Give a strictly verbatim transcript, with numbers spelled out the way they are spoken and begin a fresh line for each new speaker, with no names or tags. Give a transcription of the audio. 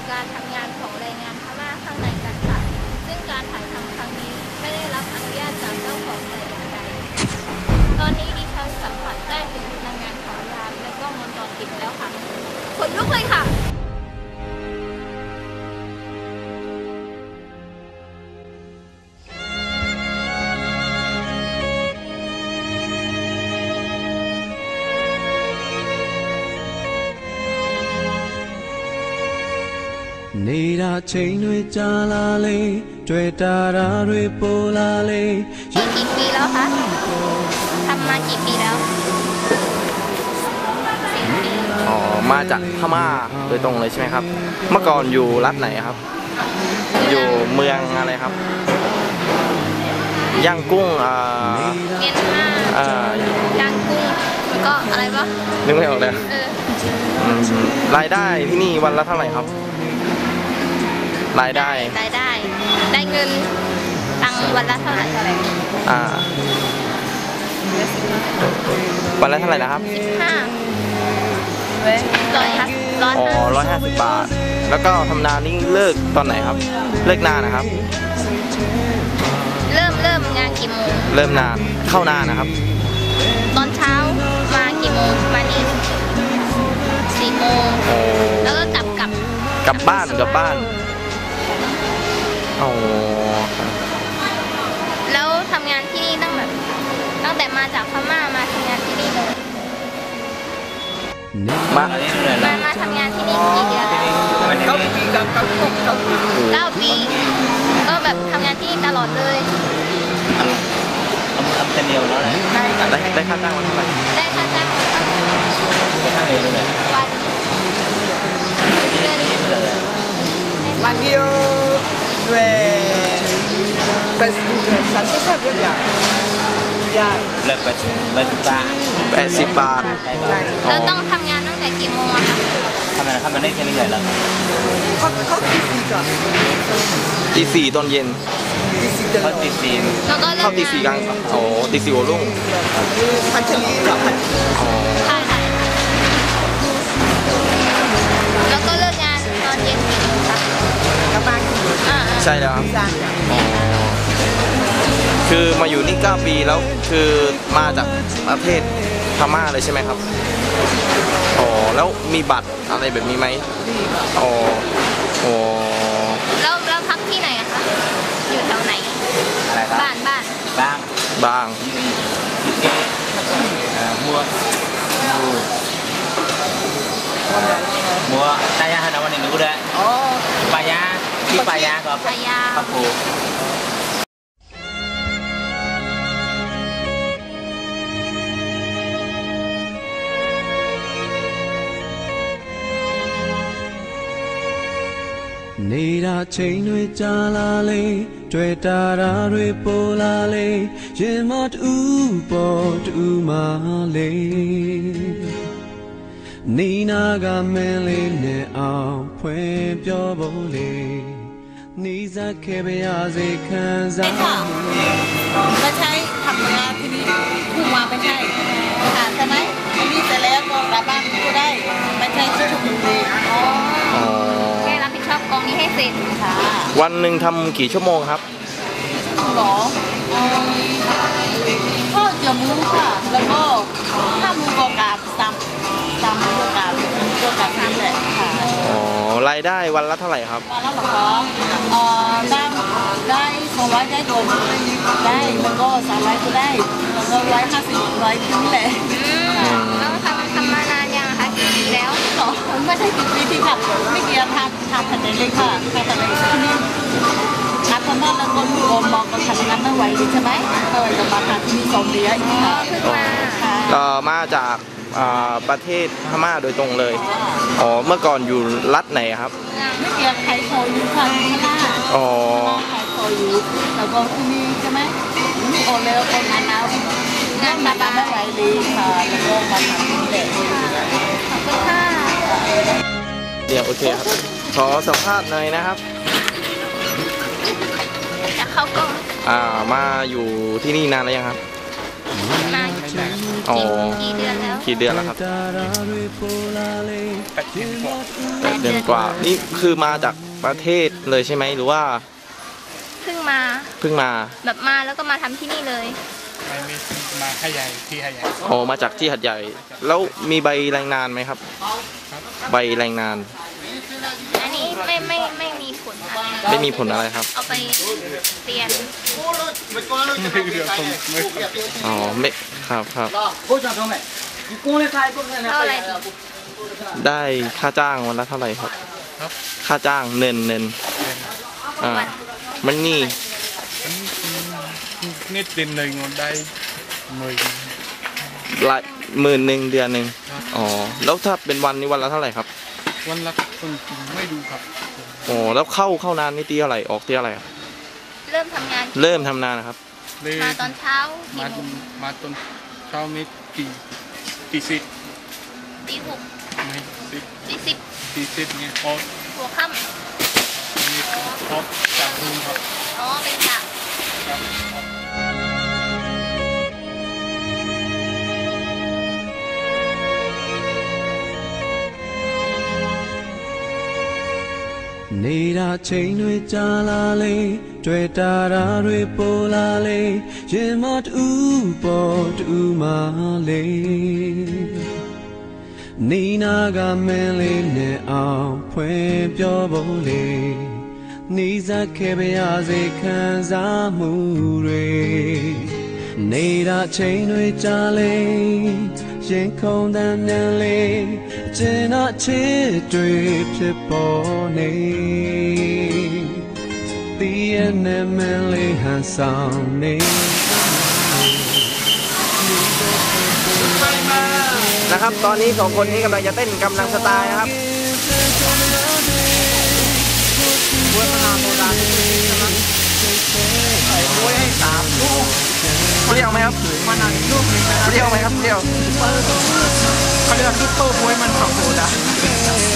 การทำงานของแรงงานพม่าข้างในกันค่ะซึ่งการถ่ายทำครั้งนี้ไม่ได้รับอนุญาตจากเจ้าของแต่อย่างใดตอนนี้ดิฉันสัมผัสได้ถึงพลังงานของยามและกล้องวงจรปิดแล้วค่ะขนลุกเลยค่ะ
နေတာချိန်တွေကြာလာလေတွေ့တာတာတွေပိုလာလေ
กี่ปีแล้วคะทำมากี่ปีแล้ว
อ๋อมาจากพม่าโดยตรงเลยใช่ไหมครับเมื่อก่อนอยู่รัฐไหนครับอยู่เมืองอะไรครับย่างกุ้งอ่า
เมียนมา
อ่า
ย่างกุ้งแล้วก็อะไรวะ
นึกไม่ออกเลย
เออ
รายได้ที่นี่วันละเท่าไหร่ครับรายได้
รายได้ได้เงินตังวันละเท่าไหร่
อ่าวันละเท่าไหร่นะครับ
สิบห้าร้อยห้าร้อย
อ๋อร้อยห้าสิบบาทแล้วก็ทำนานี่เลิกตอนไหนครับเลิกนานนะครับ
เริ่มเริ่มงานกี่โมง
เริ่มนานเข้านานนะครับ
ตอนเช้ามากี่โมงมานี่สี่โมงแล้วก็กลับกลับ
กลับบ้านกลับบ้านอ๋อ
แล้วทำงานที่นี่ตั้งแบบตั้งแต่มาจากพม่ามาทำงานที่นี่เลย
มา
มามาทำงานที่นี่กี่เดือนเก้าปีเก้าปีก็แบบทำงานที่นี่ตลอดเลย
ทำเป็นเดียวแล้วนะได้ได้ค่าจ้างวันเท่าไหร่
ได้ค่าจ้างวัน
วันเดียวด้วยเป็นสันติภาพด้วยอย่างอย่าง
เลิกไปแปดสิบบาทแปดสิบบาท
เราต้องทำงานตั้งแต่กี่โมงอะคะ
ทำงานทำงานได้แค่นี้เลยเหรอ
เขาเขาตีสี่ก่อน
ตีสี่ตอนเย็นเขาตีสี่
แล้วก็เลิก
เขาตีสี่กลางโอ้ตีสี่หัวรุ่ง
พันชลีหรอพัน
อ๋อ
ใช่ค่ะแล้วก็เลิกงานตอนเย็นกี่โมงคะ
กลับบ้าน
ใช่แล้วครับคือมาอยู่นี่เก้าปีแล้วคือมาจากประเทศพม่าเลยใช่ไหมครับอ๋อแล้วมีบัตรอะไรแบบนี้ไหมอ๋ออ๋อ
แล้วแล้วพักที่ไหนอะคะอยู่แถวไหน
อะไรครับ
บ้านบ้าน
บ้างบ้างมัวมัวตายาฮานาวันนี้ดูได้อ๋อปายาที่ปายาก็
ปายา
ปะปู
နေတာချိန်တွေကြာလာလေတွေ့တာတာတွေပိုလာလေရင်မတူပေါ်တူမလေးနီနာကမင်းလေးနဲ့အောင်ဖွင့်ပြောဖို့လေနီးစပ်ခဲ့ပါရစေခံစား
ไม่ใช่ทำงานที่นี่ผู้มาไม่ใช่ค่ะใช่ไหมที่นี่เสร็จแล้วก็กลับบ้านก็ได้ไม่ใช่ที่ชุมนุมอ๋อ
แค่รับผิดชอบกองนี้ให้เสร็จค่ะ
วันหนึ่งทำกี่ชั่วโมงครับ
หรอก็เจียวมูค่ะแล้วก็ถ้ามูกกาบซ้ำซ้ำมูกกาบมูกกาบซ้ำแหละค่ะ
อ๋อรายได้วันละเท่าไหร่ครับ
วันละหรอเอ่อได้ได้สองร้อยได้โดนได้แล้วก็สามร้อยก็ได้แล้วก็ร้อยห้าสิบร้อยขึ้นแหละ
แล้วทำทำมานานยังคะกี่ปีแล้ว
หรอไม่ใช่กี่ปีที่ค่ะไม่เกี่ยวทำทำทันเลยค่ะทำทันเลยที่นี่นับพม่าแล้วก็มีโอมองก็ทำงานไม่ไหวใช่ไหมเออจะมาทำที่นี่สองเดือน
อ๋อเพิ่งมา
ก็มาจากประเทศพม่าโดยตรงเลยอ๋อเมื่อก่อนอยู่รัฐไหนครับ
ไม่เกี่ยวไทยโคยูค่ะที่พม่า
อ๋อ
ไทยโคยูแล้วก็ที่นี่ใช่ไหมมีโอเลโอโอนานางานมาบ้านไม่ไหวเลยค่ะแล้วก็มาทำที่นี่
ขอบคุณค่ะ
เดี๋ยวโอเคครับขอสัมภาษณ์หน่อยนะครับ
จะเข้ากล้อง
อ่ามาอยู่ที่นี่นานแล้วยังครับ
มากี่เดือนแล้ว
กี่เดือนแล้วครับ
แปดเดือนกว่า
แปดเดือนกว่านี่คือมาจากประเทศเลยใช่ไหมหรือว่า
เพิ่งมา
เพิ่งมา
แบบมาแล้วก็มาทำที่นี่เลย
ไม่ไม่มาขยายที่ขยาย
อ๋อมาจากที่หัดใหญ่ แล้วมีใบแรงงานไหมครับ ใบแรงงาน
อันนี้ไม่ไม่ไม่มีผลอะไร
ไม่มีผลอะไรครับ
เอาไปเรียน
ไม่เรือผมไม่
อ๋อไม่ครับครับ
เท่าไหร่ดี
ได้ค่าจ้างวันละเท่าไหร่ครับ
ครับ
ค่าจ้างเนินเนินอ่ามันนี่
นิดเดือนหนึ่งได้หมื่น
ละหมื่นหนึ่งเดือนหนึ่งอ๋อแล้วถ้าเป็นวันนี้วันละเท่าไหร่ครับ
วันละคนไม่ดูครับ
อ๋อแล้วเข้าเข้านานนี่ตีเท่าไหร่ออกตีเท่าไหร่ครับ
เริ่มทำงาน
เริ่มทำนานนะครับ
เลย
มาตอนเช้ากี่
มา
โมง
มาตอนเช้านี้ตีตีสิบ
ตีหก
ไม่สิบ
ตีสิบ
ตีสิบเนี่ยพอ
หัวค่
นี่พอจากรุ่นครับ
ำอ๋อเป็นกะ
ครับ
နေတာချိန်တွေကြာလာလေတွေ့တာရာတွေပိုလာလေရင်မတူပေါ်တူမလေးနေနာကမင်းလေးနဲ့အောင်ဖွင့်ပြောဖို့လေနေစားခဲ့ပါရစေခံစားမှုတွေနေတာချိန်တွေကြာလေရင်ခုန်တမ်းမြန်လေကျင်တော့ချစ်တွေဖြစ်ပေါ်နေတီးရနဲ့မင်းလေးဟန်ဆောင်နေ
นะครับ ตอนนี้สองคนนี้กำลังจะเต้นกำลังสไตล์นะครับบวยมะนาวโซดานะครับใส่บวยให้สามลูกเปรี้ยวไหมครับมะนาวอีกลูกนึงนะครับเปรี้ยวไหมครับเปรี้ยว
เขาเรียกว่าซุปเปอร์บวยมันของโซดา